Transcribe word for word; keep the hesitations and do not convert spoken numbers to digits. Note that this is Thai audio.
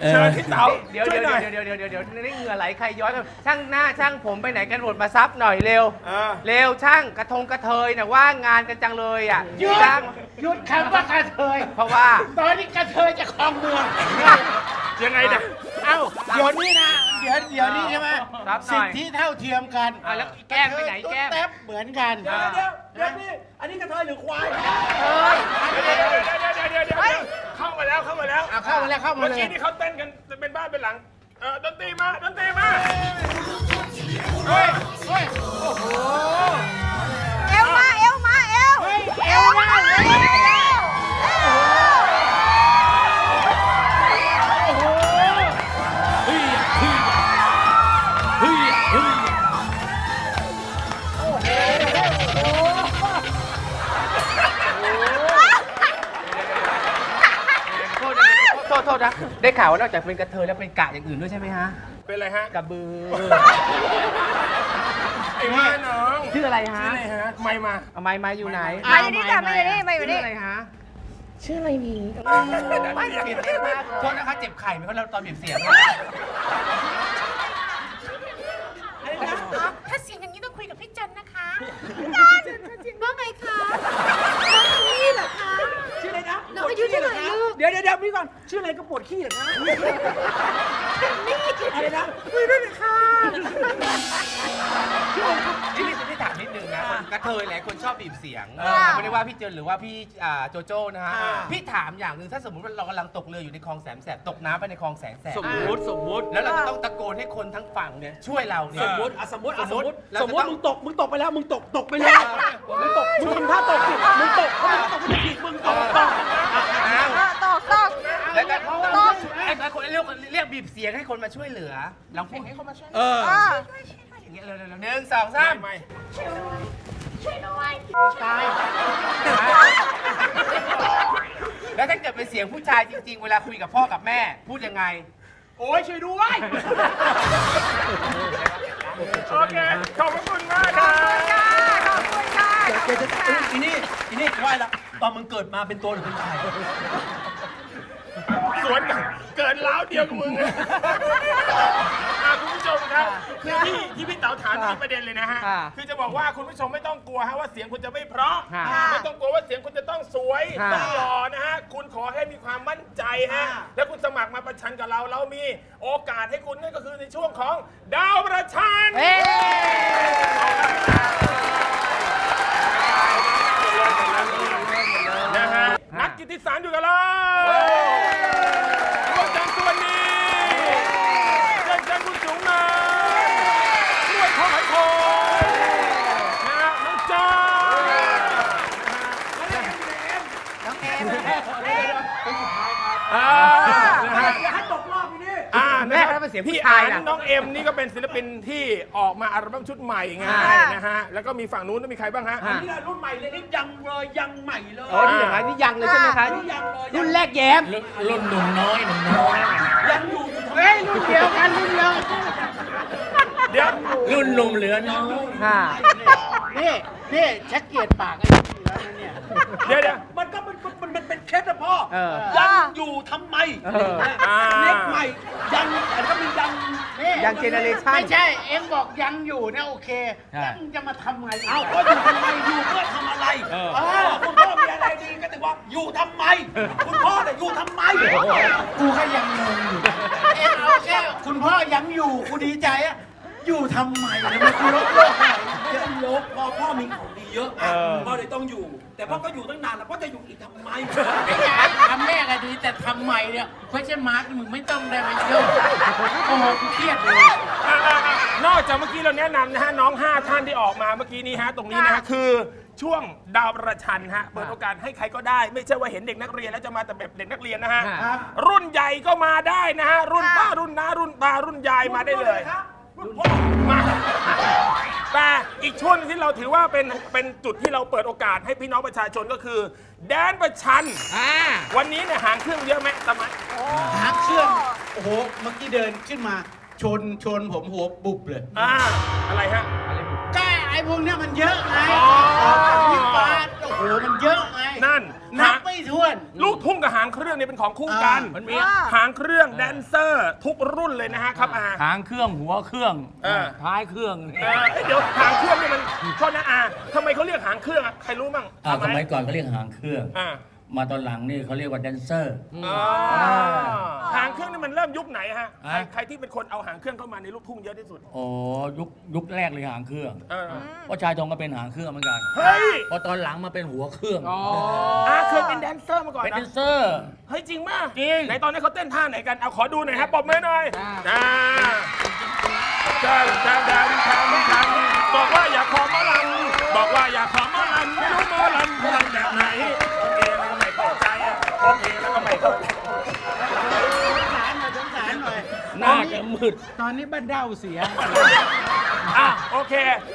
เชิญพี่เต๋าเดี๋ยวเดี๋ยวเดี๋ยวเดี๋ยวเดี๋ยวเดี๋ยวนี่เหงื่อไหลใครย้อยช่างหน้าช่างผมไปไหนกันหมดมาซับหน่อยเร็วเร็วช่างกระทงกระเทยน่ะว่างงานกันจังเลยอ่ะหยุดช่างหยุดคำว่ากระเทยเพราะว่าตอนนี้กระเทยจะครองเมืองยังไงเนี่ยเอ้าเดี๋ยวนี้นะเดี๋ยวเดี๋ยวนี้ใช่ไหมรับหน่สิอทยธิเท่าเทียมกันอ่ะแล้วแก้มไปไหนแก้มตุ๊ดแต๊บเหมือนกันเดี๋ยวเดี๋ยวเดี๋ยวนี่อันนี้กระเทยหรือควายเฮ้ยเดี๋ยวเดี๋ยวเดี๋ยวเดี๋ยวเดี๋ยวเดี๋ยวเข้ามาแล้วเข้ามาแล้วอ่ะเข้ามาแล้วเข้ามาเมื่อเลยกี้นี่เขาเต้นกันเป็นบ้านเป็นหลังเออดนตรีมาดนตรีมาเฮ้ยเฮ้ยเอวมาเอวมาเอวเฮ้ยเอวหน้าเลยโทษโทษนะได้ข่าวว่านอกจากเป็นกระเทยแล้วเป็นกะอย่างอื่นด้วยใช่ไหมฮะเป็นไรฮะกระบือไอ้ว่าน้องชื่ออะไรฮะชื่ออะไรฮะไม่มาเอาไม้มาอยู่ไหนมาอยู่นี่จ้ะมาอยู่นี่มาอยู่ชื่อนี่อะไรฮะชื่ออะไรนี่ไม่เปลี่ยนเองมากโทษนะคะเจ็บไข่ไหมเพราะเราตอนเปลี่ยนเสียงถ้าเสียงอย่างนี้ต้องคุยกับพี่จันนะคะพี่จันว่าไงคะน้องนี่เหรอคะชื่ออะไรนะน้องอายุเท่าไหร่ลูกเดี๋ยวเดี๋ยวเดี๋ยวพี่ก่อนชื่ออะไรก็ปวดขี้เหรอคะอะไรนะคุยด้วยนะคะนี่นี่ที่ถามนิดนึงนะกระเทยหลายคนชอบบีบเสียงไม่ได้ว่าพี่เจนหรือว่าพี่อ่าโจโจ้นะฮะพี่ถามอย่างหนึ่งถ้าสมมติว่าเรากำลังตกเรืออยู่ในคลองแสนแสบตกน้ำไปในคลองแสนแสบสมมุติสมมุติแล้วเราจะต้องตะโกนให้คนทั้งฝั่งเนี่ยช่วยเราเนี่ยสมมุติอ่ะสมมุติอ่ะสมมุติเราสจะมมุติต้องมึงตกมึงตกไปแล้วมึงตกตกไปเลยมึงตกมึงทำท่าตกสิมึงตกเพราะมึงตกมึงจะผิดมึงตกตกอ้าวเออตอกตอกแล้วก็ตอกไอ้คนเรียกเรียกบีบเสียงให้คนมาช่วยเหลือลองพูดให้คนมาช่วยเออเอออย่างเงี้ยเร็วๆหนึ่งสองสามไม่ตายแล้วถ้าเกิดเป็นเสียงผู้ชายจริง ๆ เวลาคุยกับพ่อกับแม่พูดยังไงโอ้ยช่วยด้วยโอเคขอบพระคุณมากครับขอบคุณค่ะขอบเดี๋ยวคุจะณค่ะอีนี่อีนี่ไหวละตอนมึงเกิดมาเป็นตัวหรือเป็นไข่สวนกันเกินล้าวเดียวกับมึงอะอ่ะคุณผู้ชมครับคือที่ที่พี่เต๋าถามมีประเด็นเลยนะฮะค่ะคือจะบอกว่าคุณผู้ชมไม่ต้องกลัวฮะว่าเสียงคุณจะไม่เพราะค่ะไม่ต้องกลัวว่าเสียงคุณจะต้องสวยค่ะต้องหล่อนะฮะคุณขอให้มีความมั่นใจฮะแล้วคุณสมัครมาประชันกับเราเรามีโอกาสให้คุณนั่นก็คือในช่วงของดาวประชันเฮ้นะฮะนักกิตติสารอยู่กับเราร่วมจังตัวนี้เชิญเชิญคุณจุ๋มมาร่วมข้าวไหมโคนะฮะน้องจอยน้องเอมอ่านะฮะอย่าให้ตกรอบอีนี่อ่าแม่นะคเขารับเป็นเสียงผู้พี่ชาอาย นนะน้องเอ็มนี่ก็เป็นศิลปินที่ออกมาอัลบั้มชุดใหม่ไงอ่านะฮะแล้วก็มีฝั่งนู้นมีใครบ้างฮะนี่แหละรุ่นใหม่เลยนี่ยังเลยยังใหม่เลยโอ้นี่อย่างไรนี่ยังเลยใช่ไหมคะนี่ยังเลยรุ่นแรกแย้มรุ่นหนุ่มน้อยหนุ่มน้อยยังอยู่อยู่เฮ้ยรุ่นเดียวกันรุ่นเดียวเดี๋ยวรุ่นหนุ่มเหลือน้อยค่ะนี่นี่เช็คเกียรติปากไอ้นี่แล้วนะเนี่ยเดี๋ยวเดี๋ยวมันก็มันมันมันเป็นเคล็ดนะพ่อเออยังอยู่ทำไมเอออ่าเล็กใหม่ยังแต่ก็มียังนี่ยังเจเนอเรชั่นไม่ใช่ เอ็งบอกยังอยู่เนี่ยโอเคใช่แล้วมึงจะมาทำไงเอาก็อยู่ทำไมอยู่เพื่อทำอะไรเออเออคุณพ่อมีอะไรดีก็ถึงว่าอยู่ทำไม คุณพ่อเนี่ยอยู่ทำไมกูก็ยังงงอยู่ เอ็งเอาแค่คุณพ่อยังอยู่กูดีใจอะอยู่ทำไมเนี่ยมันกูลบโลกไหนเยอะลบพ่อพ่อมีของดีเยอะอ่ะพ่อเลยต้องอยู่ แต่พ่อก็อยู่ตั้งนานแล้วพ่อจะอยู่อีกทำไมไม่ใช่ทำแม่ก็ดีแต่ทำใหม่เนี่ยไม่ใช่มาร์กมึงไม่ต้องได้ไปเยอะโอ้โหกูเครียดเลยอ่ะอ่ะอ่ะนอกจากเมื่อกี้เราแนะนำนะฮะน้องห้าท่านที่ออกมาเมื่อกี้นี้ฮะตรงนี้นะฮะคือช่วงดาวประชันฮะเปิดโอกาสให้ใครก็ได้ ไม่ใช่ว่าเห็นเด็กนักเรียนแล้วจะมาแต่แบบเด็กนักเรียนนะฮะครับรุ่นใหญ่ก็มาได้นะฮะรุ่นป้ารุ่นน้ารุ่นตารุ่นยายมาได้เลยมาแต่อีกช่วงหนึงที่เราถือว่าเป็นเป็นจุดที่เราเปิดโอกาสให้พี่น้องประชาชนก็คือแดนประชันอ่าวันนี้เนี่ยหางเครื่องเยอะไหมสมัยหางเชื่อมโอ้โหเมื่อกี้เดินขึ้นมาชนชนผมหัวบุบเลยอ่าอะไรฮะแก้ไอ้พวกเนี้ยมันเยอะไงอ๋อออกจากวิปาสโอ้โหมันเยอะไงนั่นนันะบไม่ไม่ถ้วนลูกทุ่งกับหางเครื่องเนี่ยเป็นของคู่กันอ่ามัมันมีหางเครื่องแดนเซอร์ทุกรุ่นเลยนะฮะครับอาหางเครื่องหัวเครื่องเออท้ายเครื่องเออเอ้ยเดี๋ยวหางเครื่องเนี่ยมันโทษนะอาทำไมเขาเรียกหางเครื่องอะใครรู้มั่งอ่าทำสไมมัยก่อนเขาเรียกหางเครื่องอ่ามาตอนหลังนี่เขาเรียกว่าแดนเซอร์อ๋อหางเครื่องนี่มันเริ่มยุคไหนฮะใครอ่ะใครที่เป็นคนเอาหางเครื่องเข้ามาในลูกทุ่งเยอะที่สุดโอ้ยุคยุคแรกเลยหางเครื่องเออเพราะชายทองก็เป็นหางเครื่องเหมือนกันเฮ้ยพอตอนหลังมาเป็นหัวเครื่องอาเคยเป็นแดนเซอร์มาก่อนเป็นแดนะนเซอร์เฮ้ยจริงมากจริงไหนตอนนี้นเขาเต้นท่าไหนกันเอาขอดูหน่อยฮะปรบมือหน่อยอ่าจำจำจำจำจำบอกว่าอยากขอหมอลำบอกว่าอยากขอหมอลำไม่รู้หมอลำหมอลำแบบไหนโอเคแล้วก็ไม่เข้าใจอะโอเคแล้วก็ไม่เข้าใจสงสารหน่อยสงสารหน่อยหน้าจะมืดตอนนี้บ้านเด้าเสียอ่ะโอเค